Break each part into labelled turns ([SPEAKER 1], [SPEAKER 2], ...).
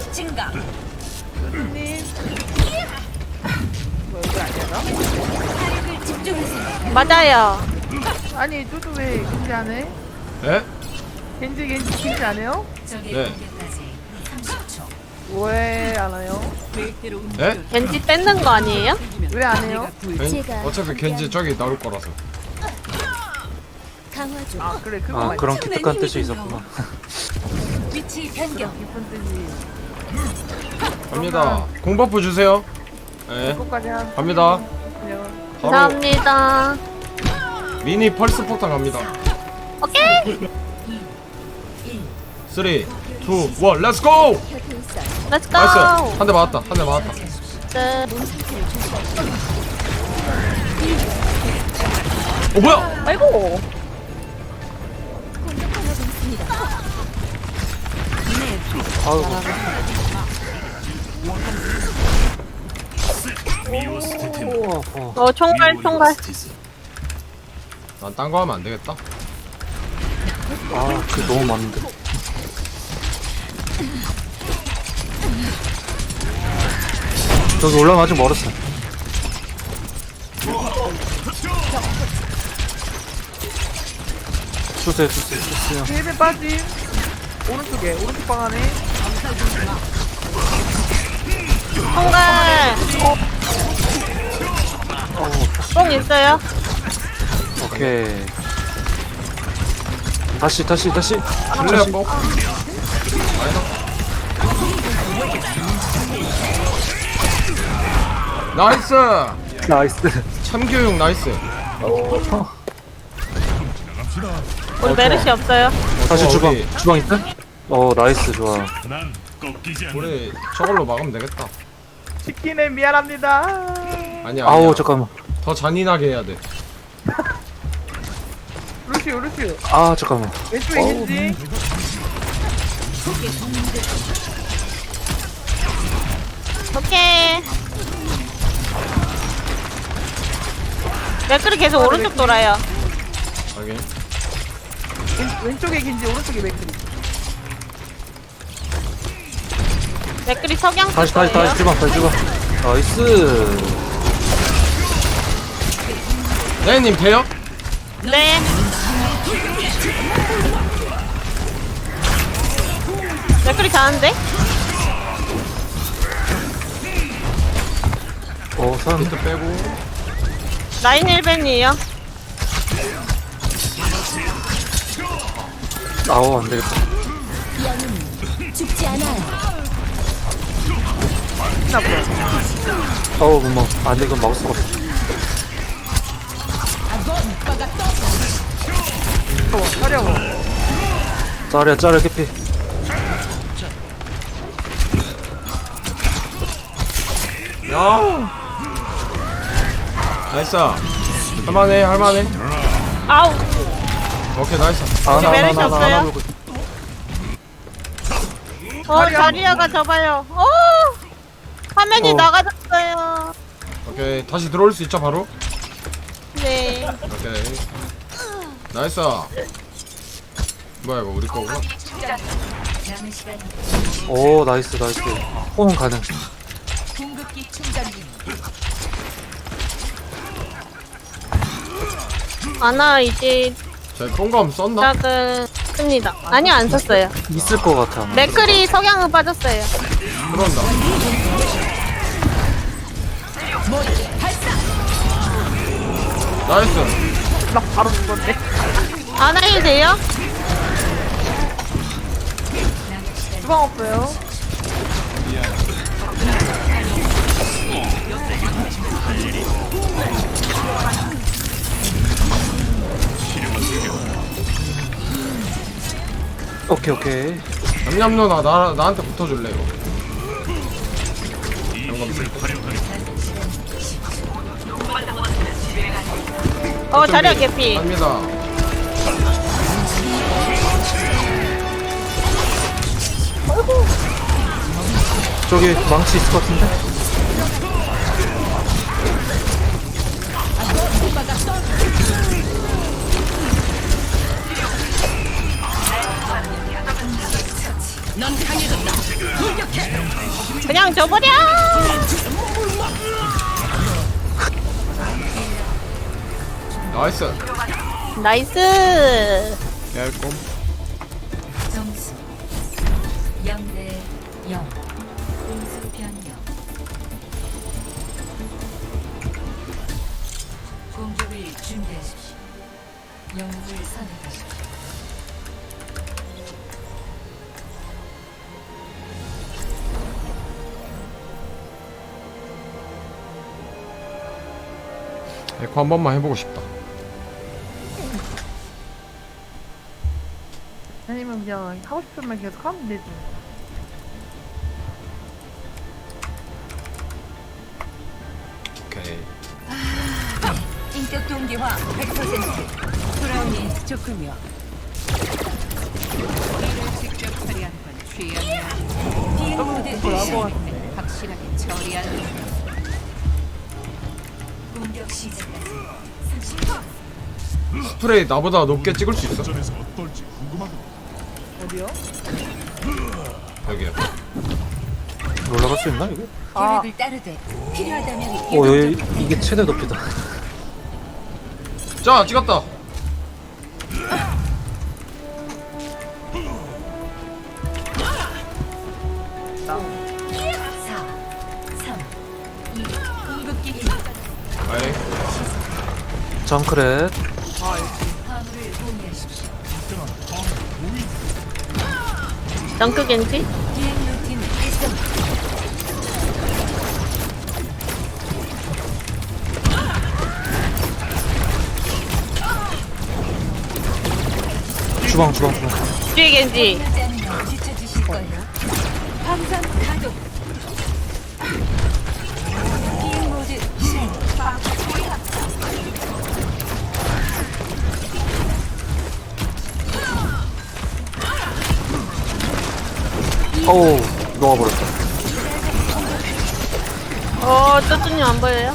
[SPEAKER 1] 증가.
[SPEAKER 2] 님 뭐 여기 아니야 나?
[SPEAKER 1] 화력을 집중하세요.
[SPEAKER 3] 맞아요.
[SPEAKER 2] 아니 뚜뚜 왜 겐지 안 해?
[SPEAKER 4] 에?
[SPEAKER 2] 겐지 안 해요?
[SPEAKER 1] 적의
[SPEAKER 4] 네.
[SPEAKER 1] 공격까지 30초.
[SPEAKER 2] 왜 안 해요?
[SPEAKER 4] 에?
[SPEAKER 3] 겐지 뺏는 거 아니에요?
[SPEAKER 2] 왜 안 해요?
[SPEAKER 4] 어차피 겐지 저기 나올 거라서.
[SPEAKER 2] 아 그래 그거
[SPEAKER 5] 아
[SPEAKER 2] 맞지.
[SPEAKER 5] 그런 기특한 뜻이 있었구나.
[SPEAKER 1] 위치 변경.
[SPEAKER 2] 깊은 뜻이
[SPEAKER 4] 갑니다. 공버프 주세요. 예.
[SPEAKER 2] 그거까지 한
[SPEAKER 4] 갑니다.
[SPEAKER 2] 그냥
[SPEAKER 4] 바로
[SPEAKER 3] 감사합니다.
[SPEAKER 4] 미니 펄스 폭탄 갑니다.
[SPEAKER 3] 오케이.
[SPEAKER 4] 3, 2, 1, 렛츠 고!
[SPEAKER 3] 렛츠
[SPEAKER 4] 나이스.
[SPEAKER 3] 고.
[SPEAKER 4] 한 대 맞았다. 한 대 맞았다.
[SPEAKER 3] 네.
[SPEAKER 4] 뭐야?
[SPEAKER 2] 아이고
[SPEAKER 5] 아우
[SPEAKER 3] 총괄.
[SPEAKER 4] 난 딴 거 하면 안 되겠다.
[SPEAKER 5] 그 너무 많은데. 저기 올라가면 아직 멀었어. 주세요.
[SPEAKER 2] 힐에 빠짐 오른쪽에 오른쪽 방 안에
[SPEAKER 3] 총괄. 뽕 있어요?
[SPEAKER 5] 오케이. 다시.
[SPEAKER 4] 플레어 뽕. 나이스.
[SPEAKER 5] 나이스.
[SPEAKER 4] 참교육 나이스.
[SPEAKER 3] 우리 메르시 없어요?
[SPEAKER 5] 다시 주방.
[SPEAKER 4] 우리-
[SPEAKER 5] 주방 있다? 나이스 좋아.
[SPEAKER 4] 우리 저걸로 막으면 되겠다.
[SPEAKER 2] 치킨에 미안합니다.
[SPEAKER 4] 아니야.
[SPEAKER 5] 아우
[SPEAKER 4] 아니야.
[SPEAKER 5] 잠깐만.
[SPEAKER 4] 더 잔인하게 해야 돼.
[SPEAKER 2] 루시오
[SPEAKER 5] 잠깐만.
[SPEAKER 2] 왼쪽에 겐지
[SPEAKER 3] 오케이. 맥클이 계속 오른쪽 돌아요.
[SPEAKER 4] 확인.
[SPEAKER 2] 왼쪽에 겐지 오른쪽에 맥크리
[SPEAKER 3] 맥클이 석양
[SPEAKER 5] 다시
[SPEAKER 3] 거예요?
[SPEAKER 5] 주방. 나이스.
[SPEAKER 4] 네님 돼요?
[SPEAKER 3] 네. 맥클이 잘하는데?
[SPEAKER 5] 사람.
[SPEAKER 4] 힌트 빼고.
[SPEAKER 3] 라인 1벤이에요.
[SPEAKER 5] 안 되겠다.
[SPEAKER 1] 죽지 않아요.
[SPEAKER 2] 나 보여
[SPEAKER 5] 금방. 안 돼, 이건 막을 수가 없어.
[SPEAKER 2] 하려고
[SPEAKER 5] 짜리야, 캐피.
[SPEAKER 4] 야. 나이스. 할만해.
[SPEAKER 3] 아우.
[SPEAKER 4] 오케이 나이스.
[SPEAKER 3] 여기 메르시 없어요?
[SPEAKER 5] 하나 물고.
[SPEAKER 3] 자리야가 접어요. 화면이 나가졌어요.
[SPEAKER 4] 오케이 다시 들어올 수 있죠 바로?
[SPEAKER 3] 네.
[SPEAKER 4] 오케이. 나이스. 뭐야 이거 우리 거구나.
[SPEAKER 1] 남은 시간
[SPEAKER 5] 나이스. 호응 가능.
[SPEAKER 1] 공급기 충전 중.
[SPEAKER 3] 아나 이제
[SPEAKER 4] 저희 뽕감 썼나?
[SPEAKER 3] 시작은 씁니다. 아니요, 안 썼어요.
[SPEAKER 5] 있을 것 같아. 아마.
[SPEAKER 3] 맥클이 석양은 빠졌어요.
[SPEAKER 4] 들어온다. 나이스.
[SPEAKER 2] 나 바로 죽었네
[SPEAKER 3] 아나 일 돼요?
[SPEAKER 2] 주방 없어요
[SPEAKER 5] 오케이.
[SPEAKER 4] 냠냠 누나 나한테 붙어줄래 이거. 영감
[SPEAKER 3] 자리야 개피.
[SPEAKER 4] 갑니다.
[SPEAKER 5] 저기 망치 있을 것 같은데?
[SPEAKER 1] 넌 강해졌다. 공격해.
[SPEAKER 3] 그냥 줘버려.
[SPEAKER 4] 나이스.
[SPEAKER 3] 나이스.
[SPEAKER 4] 얇꼼.
[SPEAKER 1] 점수 0대 0. 공수 변경. 공격을 준비하십시오. 영웅을 선택하십시오.
[SPEAKER 4] 에코 한 번만 해보고 싶다.
[SPEAKER 2] 아니면 그냥 하고 싶은 말 계속 하면 되지.
[SPEAKER 4] 오케이.
[SPEAKER 1] 인격 동기화 100%. 돌아오니 좋군요. 이를 직접 처리하는 건 취향이야. 비행 모드 시작. 확실하게 처리하는 것. 공격 시작까지 30초.
[SPEAKER 4] 스프레이 나보다 높게 찍을 수 있어?
[SPEAKER 2] 어디요?
[SPEAKER 4] 여기요.
[SPEAKER 5] 올라갈 수 있나 이거?
[SPEAKER 1] 계획을 따르되 필요하다면
[SPEAKER 5] 여기 이게 최대 높이다.
[SPEAKER 4] 자, 찍었다. 아이,
[SPEAKER 5] 정크렛.
[SPEAKER 1] 화물을 공유하십시오.
[SPEAKER 3] 덩크 겐지.
[SPEAKER 1] 비행 루틴 활성.
[SPEAKER 5] 주방.
[SPEAKER 3] 뒤에 겐지.
[SPEAKER 1] 지쳐주실 거예요. 함성 가동. 비행 모드 실행.
[SPEAKER 5] 어우, 녹아버렸다.
[SPEAKER 3] 쪼쭈님 안 보여요?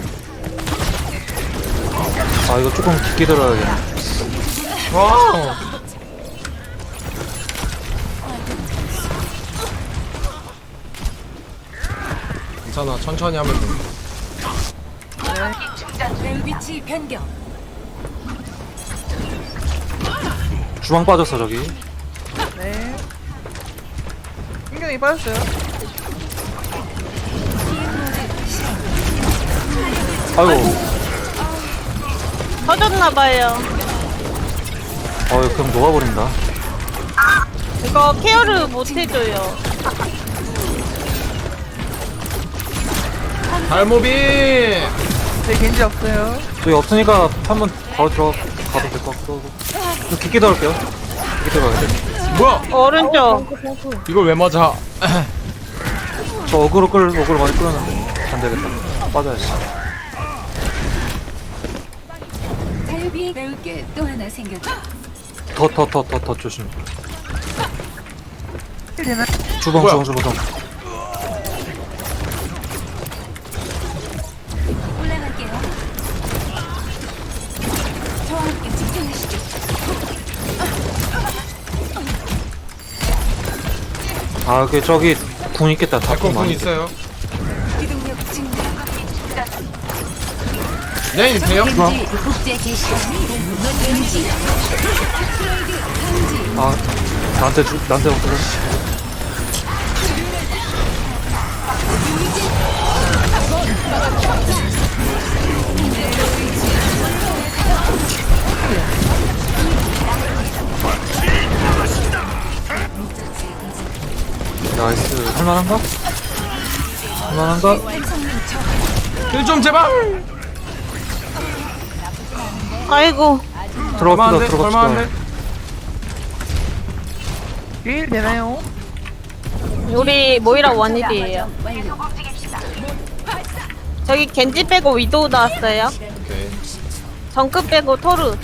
[SPEAKER 5] 아, 이거 조금 깊게 들어야겠네.
[SPEAKER 4] 와. 괜찮아, 천천히 하면 돼.
[SPEAKER 1] 내 위치 변경.
[SPEAKER 5] 주방 빠졌어, 저기.
[SPEAKER 2] 네. 신경이 빠졌어요.
[SPEAKER 5] 아이고,
[SPEAKER 3] 터졌나봐요.
[SPEAKER 5] 그냥 녹아버린다.
[SPEAKER 3] 이거 케어를 못 해줘요.
[SPEAKER 4] 달모비.
[SPEAKER 2] 네, 겐지 없어요.
[SPEAKER 5] 저기 없으니까 한번 바로 들어가도 될 것 같고. 좀 깊게 들어갈게요. 깊게 들어가야 돼.
[SPEAKER 4] 뭐야?
[SPEAKER 3] 오른쪽.
[SPEAKER 4] 이걸 왜 맞아?
[SPEAKER 5] 저 어그로 많이 끌었는데. 안 되겠다. 빠져야지.
[SPEAKER 1] 자유비행 배울 게 또 하나 생겼죠.
[SPEAKER 5] 더 조심.
[SPEAKER 2] 되나?
[SPEAKER 5] 주방.
[SPEAKER 1] 올라갈게요. 저와 함께 집중하시죠.
[SPEAKER 5] 아, 저기 궁 있겠다. 다
[SPEAKER 4] 에코
[SPEAKER 5] 궁
[SPEAKER 4] 공
[SPEAKER 5] 많이
[SPEAKER 4] 있어요.
[SPEAKER 1] 기동력 증가.
[SPEAKER 4] 네, 돼요?
[SPEAKER 1] 왠지 국제 개시. 왠지
[SPEAKER 5] 아, 나한테 없어져. 나이스. 할만한가?
[SPEAKER 4] 힐 좀 제발.
[SPEAKER 3] 아이고.
[SPEAKER 4] 얼마인데?
[SPEAKER 5] 들어갑시다.
[SPEAKER 4] 얼마인데?
[SPEAKER 2] 일 되나요?
[SPEAKER 3] 우리 모이라 원일이에요. 저기 겐지 빼고 위도우 나왔어요.
[SPEAKER 4] 오케이.
[SPEAKER 3] 정크 빼고 토르.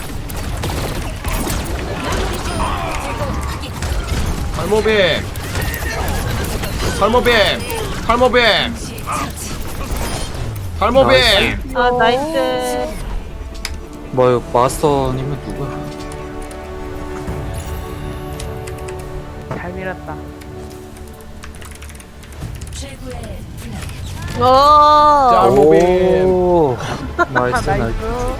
[SPEAKER 4] 탈모뱀.
[SPEAKER 3] 아 나이스.
[SPEAKER 5] 뭐야, 마스터님은 누구야?
[SPEAKER 2] 잘 밀었다.
[SPEAKER 4] 짤.
[SPEAKER 3] 오.
[SPEAKER 4] 무빙.
[SPEAKER 5] 오. 나이스, 나이스.
[SPEAKER 2] 나이스.